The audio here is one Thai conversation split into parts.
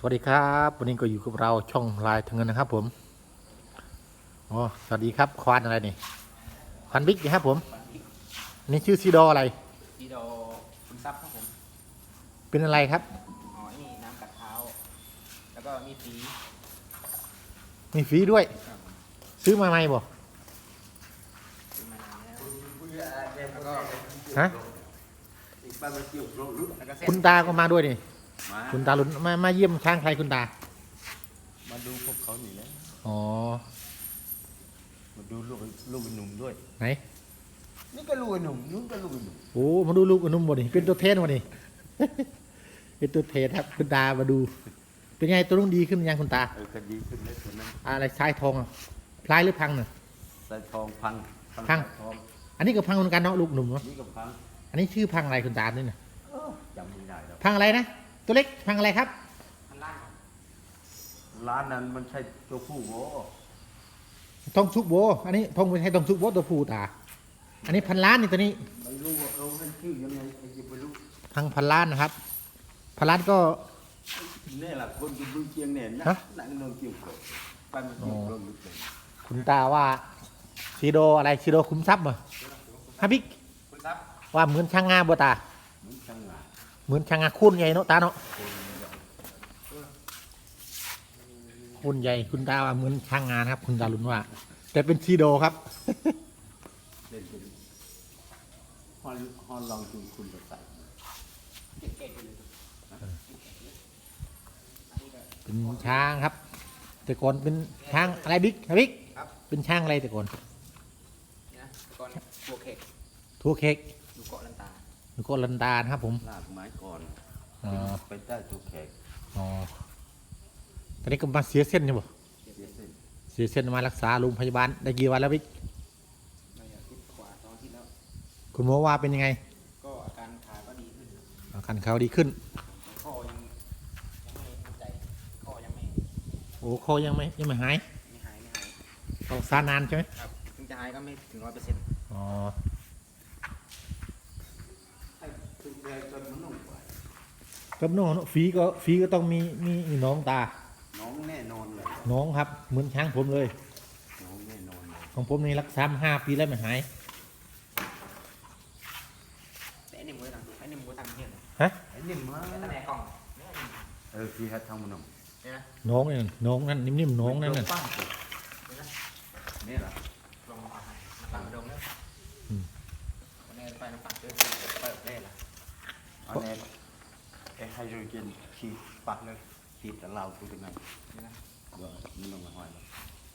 วัสดีครับวันนี้ก็อยู่กับเราช่องลายทางเงินนะครับผมอ๋อสวัสดีครับควานอะไรนี่ควานบิ๊กนะครับผมอันนี่ชื่อซีดออะไรดีโดคุณซับครับผมเป็นอะไรครับอ๋อนี่น้ำกัดเท้าแล้วก็มีฝีมีฟรีด้วยครับผมซื้อมาไหมบ่ซื้อมานานแล้วแล้วก็ฮะแล้วก็เส้นคุณตาก็มาด้วยนี่มาคุณตาลุนมาเยี่ยมช้างไทยคุณตามาดูพวกเขาหนีแล้วอ๋อมาดูลูกหนุ่มด้วยไหนนี่ก็ลูกหนุ่มนู้นก็ลูกหนุ่มโอ้มาดูลูกอนุ่มบ่นี่เป็นตัวเทนบ่นี่ เป็นตัวเทนครับคุณตามาดู เป็นไงตัวนุ่งดีขึ้นยังคุณตาก็ดีขึ้นแล้วตัวนั้นอะไรชายทองอ่ะพลายหรือพังน่ะสายทองพังพังสายทองอันนี้ก็พังเหมือนกันเนาะลูกหนุ่มเนาะนี่ก็พังอันนี้ชื่อพังอะไรคุณตาเนี่ยนะจำไม่ได้แล้วพังอะไรนะตัวเล็กพังอะไรครับพันล่างครับร้านนั้นมันใช่ตัวผู้โว้ทองชุกโบอันนี้ทองไม่ใช่ทองชุกโบตัวผู้ตา อันนี้พันล้านนี่ตัวนี้ไม่รู้ว่าเขาให้ชื่อยังไงไอ้ยังไม่รู้พังพันล้านนะครับพันล้านก็นี่แหละคนจะดูเชียงเนี่ยนะฮะนั่งนอนเกี่ยวกับไปมันเกี่ยวกับลึกเลยคุณตาว่าซีโดอะไรซีโดคุ้มทรัพย์เหรอฮะบิ๊กคุณซับว่าเหมือนช่างงาบัวตาเหมือนช่างงานเหมือนช่างงาคุ้นใหญ่เนาะตาเนาะคุ้นใหญ่คุณตาว่าเหมือนช่างงานครับ คุณตาลุนว่า แต่เป็นซีโดครับเล่นกันฮอนลองจูงคุณไปใส่เก่งๆเลยเป็นช้างครับ แต่ก่อนเป็นช้างอะไรบิ๊กฮะบิ๊กครับเป็นช้างอะไรแต่ก่อนนี่นะก่อนบัวเค้กทัวเค้กดูเกาะลันตาแล้วก็ลันดานะครับผมลากไม้ก่อนอ๋อไปได้ตัวแขกอ๋อตอนนี้ก็มาเสียเส้นใช่ปะเสียเส้นเสียเส้นมารักษาโรงพยาบาลได้กี่วันแล้วพี่ไม่อยากคิดกว่าตอนที่แล้วคุณหมอว่าเป็นยังไงก็อาการขาก็ดีขึ้นอาการเขาดีขึ้นข้อยังไม่มั่นใจข้อยังไม่โอ้คอยังไม่หายหายต้องซานานใช่ไหมครับถึงจะหายก็ไม่ถึง100% อ๋อให้ตัวแขกจนมันนุ่มกว่ากับน้องเนอะฝีก็ต้องมีน้องตาน้องแน่นอนเลยน้องครับเหมือนช้างผมเลยน้องแน่นอนเลยของผมนี่รักษามา5 ปีแล้วไม่หายแต่ไอ้นี่มือทำไอ้นี่มือทำเนี่ยฮะไอ้นี่มาแต่ตะแหน่กล้องเนี่ยพี่ฮัททำมันนุ่มเนี่ยนะน้องนี่น้องนั่นนิ่มๆน้องนั่นน่ะปั้งเนี่ยนะนี่แหละลงมาน้ำปังดงแล้วอืมวันนี้ไปน้ำปังเจอเปิดเล่ละอันนี้ไอ้ไฮโดรเจนขีดปักเลยขีดแต่เราตัวเป็นไงนี่นะว่ามันลงมาห้อยแล้ว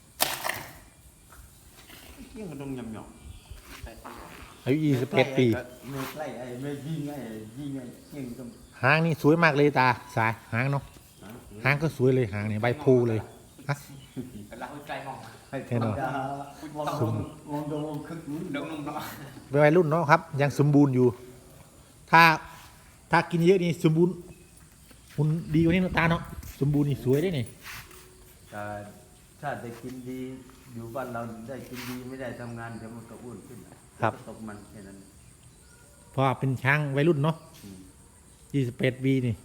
เกี่ยงมันต้องยำหยองใส่ปังอายุ21 ปีไม่ใกล้ไอ้ไม่ยิงไอ้ยิงไอ้เกี่ยงต้องหางนี่สวยมากเลยตาสายหางเนาะหางก็สวยเลยหางนี่ใบพลูเลยฮะเราใจมองให้แน่นอนมองดูคึกนี้ดงนุ่มเนาะเป็นวัยรุ่นเนาะครับ ยังสมบูรณ์อยู่ ถ้ากินเยอะนี่สมบูรณ์หุ่นดีกว่านี้เนาะตาเนาะสมบูรณ์นี่สวยได้นี่ถ้าได้กินดีอยู่บ้านเราได้กินดีไม่ได้ทำงานเดี๋ยวมันก็อ้วนขึ้นตกมันแค่นั้นเพราะว่าเป็นช้างวัยรุ่นเนาะ21 ปีนี่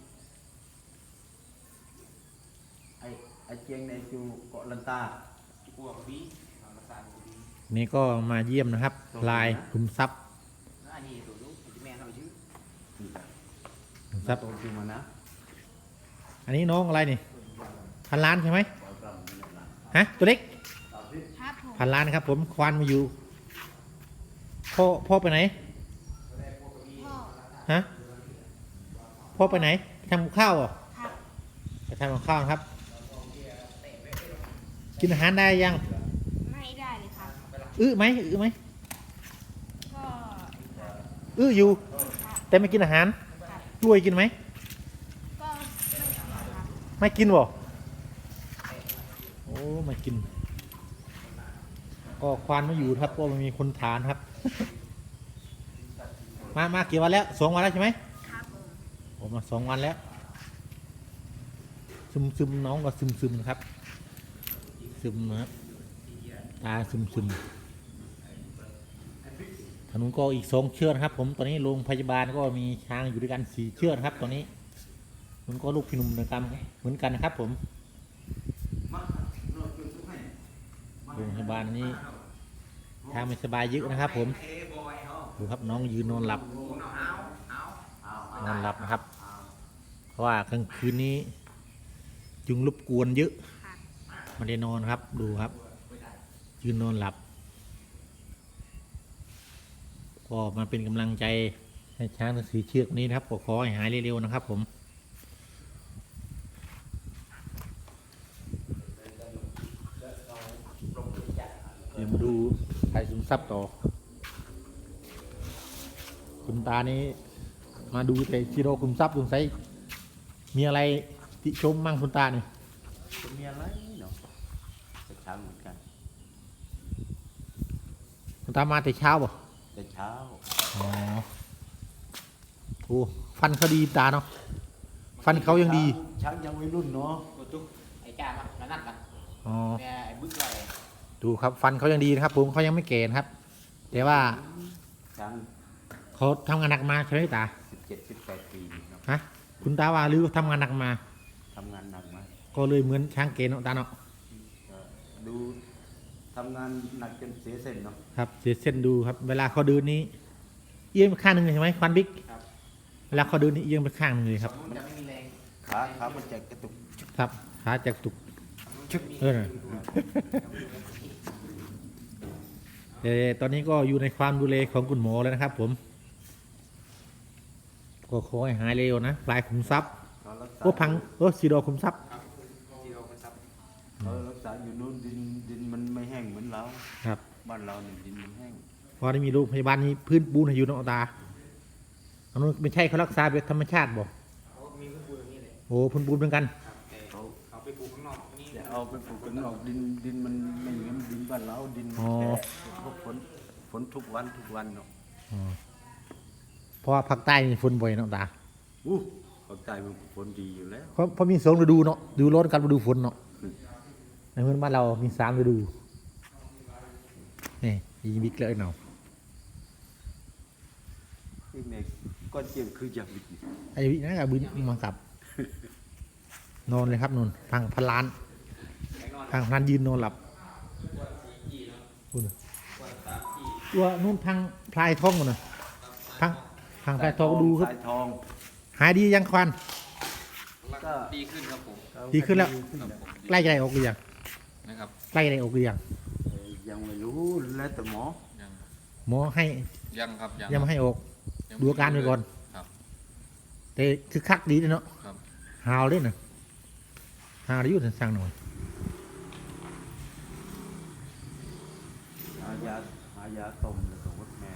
ไอ้เจียงในจูเกาะลันตากลัวบีเราภาษาบีนี่ก็มาเยี่ยมนะครับลายขุมทรัพย์อันนี้ตัวลูกที่แม่เขาชื่อขุมทรัพย์โตขึ้นมานะอันนี้น้องอะไรนี่พันล้านใช่ไหมฮะตัวเล็กครับผมพันล้านครับ ผมควานมาอยู่พ่อไปไหนพ่อฮะพ่อไปไหนไปทำกับข้าวเหรอครับไปทำกับข้าวครับ กินอาหารได้ยังไม่ได้เลยครับอื้อไหมก็อื้ออยู่ แต่ไม่กินอาหารกล้วยกินไหมก็ไม่ครับไม่กินบ่โอ้ไม่กิน ก็ควานไม่อยู่ครับเพราะมันมีคนทานครับ มากี่วันแล้ว2 วันแล้วใช่ไหมครับผมผมมา2 วันแล้ว ซึมน้องก็ซึมนะครับ ซึมนะครับตาซึมถนนก็อีก2 เชือกครับ ผมตอนนี้โรงพยาบาลก็มีช้างอยู่ด้วยกัน4 เชือกครับตอนนี้มันก็ลูกพี่หนุ่มนะครับเหมือนกันนะครับผมโรงพยาบาลนี้ทางไม่สบายเยอะนะครับผมดูครับน้องยืนนอนหลับนะครับเพราะว่ากลางคืนนี้ยุงรบกวนเยอะไมาได้นอนครับดูครับยืนนอนหลับก็มาเป็นกำลังใจให้ช้างทั้งสีเชือกนี้นะครับขอให้หายเร็วๆนะครับผมเดี๋ยวมาดูไทยซึมซับต่อคุณตานี้มาดูแต่ชิโร่คุมทรัพย์สงสัยมีอะไรติชมมั่งคุณตาเนี่ยจะมีอะไรเนาะจะเช้าเหมือนกันคุณตามาแต่เช้าบ่แต่เช้าอ๋อโอ้ฟันเขาดีตาเนาะฟันเขายังดีช้างยังวัยรุ่นเนาะตุ๊กไอ้จ้ามาแล้วนั่นกันอ๋อแม่ไอ้บึกอะไรดูครับฟันเขายังดีนะครับผมเขายังไม่แก่นะครับ แต่ว่าช้างเขาทำงานหนักมาใช่ไหมตา 17-18 ปีเนาะฮะคุณตาว่าหรือทำงานหนักมาทำงานหนักมากก็เลยเหมือนช้างเกณฑ์เนาะตาเนาะก็ดูทำงานหนักจนเสียเส้นเนาะครับเสียเส้นดูครับเวลาเขาเดินนี้เอียงไปข้างหนึ่งเลยใช่ไหมควันบิ๊กครับเวลาเขาเดินนี่เอียงไปข้างหนึ่งเลยครับมันจะไม่มีแรงขามันจะกระตุกครับขาจากตุกชึกน่ะแต่ตอนนี้ก็อยู่ในความดูแลของคุณหมอแล้วนะครับ ผมก็ขอให้หายเร็วนะปลายขุมทรัพย์เขารักษาโอ้พังโอ้สีดอขุมทรัพย์ที่เราไปซับเขารักษาอยู่นู้นดินมันไม่แห้งเหมือนเราครับบ้านเราเนี่ยดินมันแห้งพอได้มีโรงพยาบาลนี้พื้นปูนให้อยู่เนอกตาอันนู้นไม่ใช่เขารักษาแบบธรรมชาติบอกเขามีพื้นปูนอย่างนี้เลยโอ้พื้นปูนเหมือนกันครับแต่เขาไปปลูกข้างนอกนี่จะเอาไปปลูกกันออกดินมันไม่เหมือนดินบ้านเราดินอ๋อแฉะพวกฝนทุกวันเนาะอ๋อเพราะว่าภาคใต้นี่ฝนบ่อยเนอกตาอู้ภาคใต้มันฝนดีอยู่แล้วเพราะมีสองฤดูเนาะฤดูร้อนกับฤดูฝนเนาะในเมืองบ้านเรามีสามฤดูนี่ยิงบิ๊กเลยเนาะที่เมฆก้อนเจียงคืออย่างนี้ไอ้วินะกับบินมากับ นอนเลยครับนอนทางพันล้านทางพันยืนนอนหลับคุณตัวนู่นทางพลายทองมันนะทางพลายทองดูครับสายทองหายดียังควันก็ดีขึ้นครับผมดีขึ้นแล้วครับผมใกล้ใจออกหรือยังนะครับใกล้ใจออกหรือยังยังไม่รู้แล้วแต่หมอยังหมอให้ยังครับยังยังไม่ให้ออก ดูอาการไปก่อนครับแต่คือคักดีเลยเนาะครับหาวเลยนะหาวได้อยุ่งสั่งหน่อยหายาต้มแล้วก็วดแม่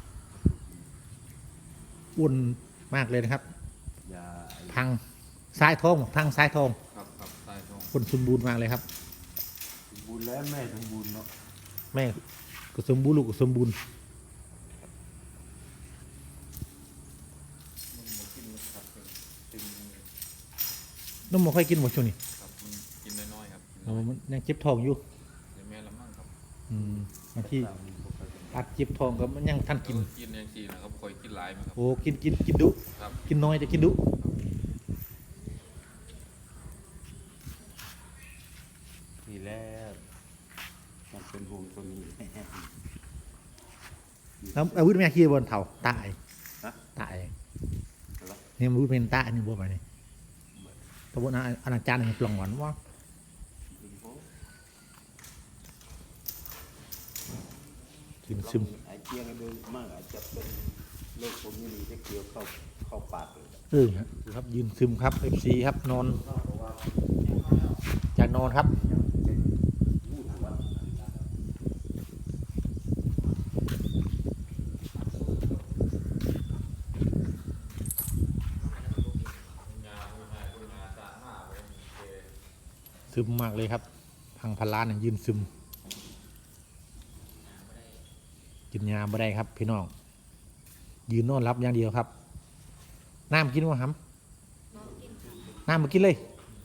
อ้วนมากเลยนะครับยาไอ้ทางซ้ายท้องทางซ้ายท้องครับครับใต้ท้องคนสมบูรณ์มากเลยครับสมบูรณ์แล้วแม่สมบูรณ์เนาะแม่ก็สมบูรณ์ลูกก็สมบูรณ์มันหมดกินครับตึงน้องหมอค่อยกินหมดช่วงนี้ครับมันกินน้อยๆครับโอ้มันยังเจ็บท้องอยู่เดี๋ยวแม่ละมั่งครับบางทีอัดเจ็บท้องก็มันยังท่านกินกินอย่างสี่นะครับคอยกินหลายไหมครับโอ้กินดุครับกินน้อยแต่กินดุทีแรกมันเป็นห่วงตัวนี้แล้วอาวุธแม่ขี้บนเถาตายฮะตายเหรอนี่มันรู้เป็นตาอันนี้บัวไปนี่ตะบนอาณาจารย์นี่ปล่องหวานว่ากินซึมไอ้เจียงดูมากอาจจะเป็นโรคพวกนี้จะเกี่ยวเข้าปากเลยครับยืนซึมครับ FC ครับนอนจากนอนครับซึมมากเลยครับพังพันล้านเนี่ยยืนซึมกินยาไม่ได้ครับพี่น้องยืนนอนรับอย่างเดียวครับน้ำกินวะครับน้ำมากินเลย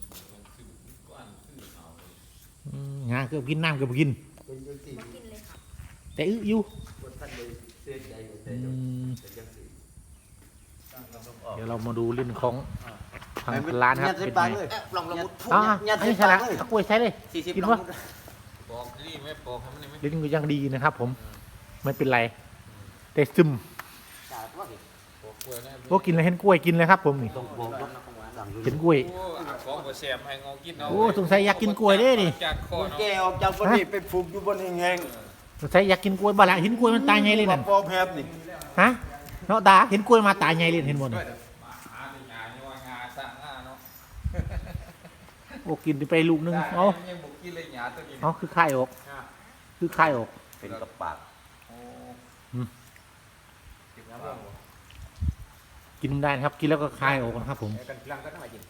งาเกือบกินน้ำเกือบกินเป็นยังสี่มากินเลยค่ะแต่อึอยู่คนท่านเลยเสียใจอยู่แต่อืมยังสี่เดี๋ยวเรามาดูเรื่องของพพังล้านครับยัดใส่เป็นปากไงเลยลองละมุดพูดอ๋อยัดอันใส่นี้ใช่ปาละกเลยตะกล้วยใช้เลย 40 กินลอวะงมุดบอกนี่ไม่บอกให้มันนี่ไหมลิ้นก็ยังดีนะครับ ผมไม่เป็นไรแต่ซึมจ่าว่าดิบอกกล้วยนะโอ้กินเลยเห็นกล้วยกินเลยครับผมนี่ต้องบอกร้อว่านนะของหวานสั่งเห็นกล้วยโอ้ของบ่แซมให้งอกินเอาโอ้สงสัยอยากกินกล้วยเด้นี่จากคอแกเนาะออกจากบนนี้ไปผูกอยู่บนแห้งสงสัยอยากกินกล้วยบ้าละเห็นกล้วยมันตายไงเลยๆนั่นปอแพบนี่ฮะเนาะตาเห็นกล้วยมาตายไงเลยเห็นหมดน่ะหาในงานนี่ว่างาสร้างงาเนาะโอ้กินไปลูกนึงเอายังบ่กินเลยหยาตัวนี้เอาคือไข่ออกคือไข่ออกเป็นกับปากโอ้อืมเก็บน้ำเบิ่งบ่กินได้นะครับ กินแล้วก็คายออกนะครับ ผมกันลังก็ต้องมากิน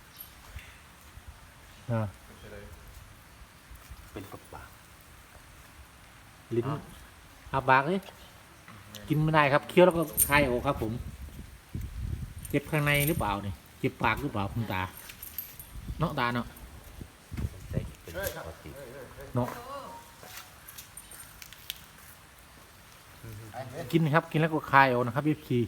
อ่าเป็นไปเลยเป็นกับปากลิ้นอาปากเลยกินไม่ได้ครับเคี้ยวแล้วก็คายออกครับ ผมเจ็บข้างในหรือเปล่าเนี่ยเจ็บปากหรือเปล่าคุณตาเนาะตาเนาะใส่เป็นปกติเนาะกินครับกินแล้วก็คายออกนะครับพี่พี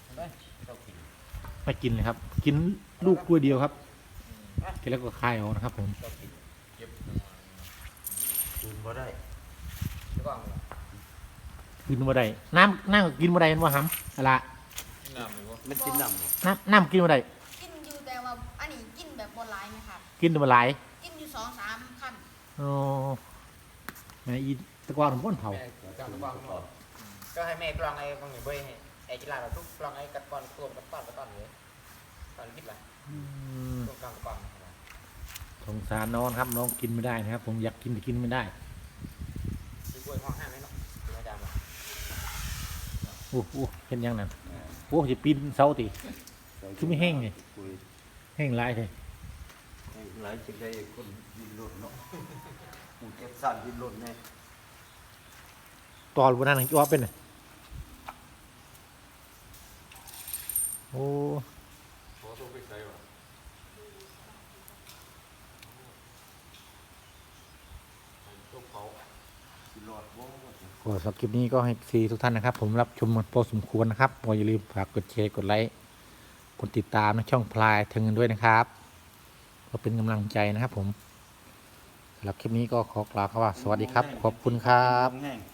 ไม่กินเลยครับ กินลูกกล้วยเดียวครับกินแล้วก็คายออกนะครับ ผมเก็บคืนบ่ได้แล้วก็กินมาได้น้ำก็กินมาได้เห็นว่าหำอะไรน้ำหรือว่ามันกินน้ำบ่น้ำกินมาได้กินอยู่แต่ว่าอันนี้กินแบบบนไลน์ไหมครับกินมาหลายกินอยู่2-3 ขั้นอ๋อแม่อีตะกวาของก้นเผาแม่จังกองก็ให้แม่กลองไอ้บางอย่างเว้ยไอ้กีฬาแบบทุกกลองไอ้กัดก้อนตัวกัดก้อนกัดก้อนเลยตอนคิดอะไรอืมตัวกลางกัดก้อนสงสารน้องครับน้องกินไม่ได้นะครับ ผมอยากกินแต่กินไม่ได้คือกล้วยห้องห้าไหมเนาะคุณอาจารย์บอกโอ้โหเห็นยังนั่นโอ้จะปีนเสาติ คือไม่แห้งนี่คุยแห้งหลายเลยให้หลายสิได้คนดินรถเนาะกูเก็บสั่นดินรถแน่ตอนวันนั้นจ้วเป็นไงโอ้ขอตัวไปใส่ว่ะตัวเผาสิรอดบ่ก็สำหรับคลิปนี้ก็ให้ซีทุกท่านนะครับ ผมรับชมมันพอสมควรนะครับอย่าลืมฝากกดแชร์กดไลค์กดติดตามในช่องพลายถึงเงินด้วยนะครับก็เป็นกำลังใจนะครับ ผมสำหรับคลิปนี้ก็ขอกล่าวคำว่าสวัสดีครับ ขอบคุณครับแห้ง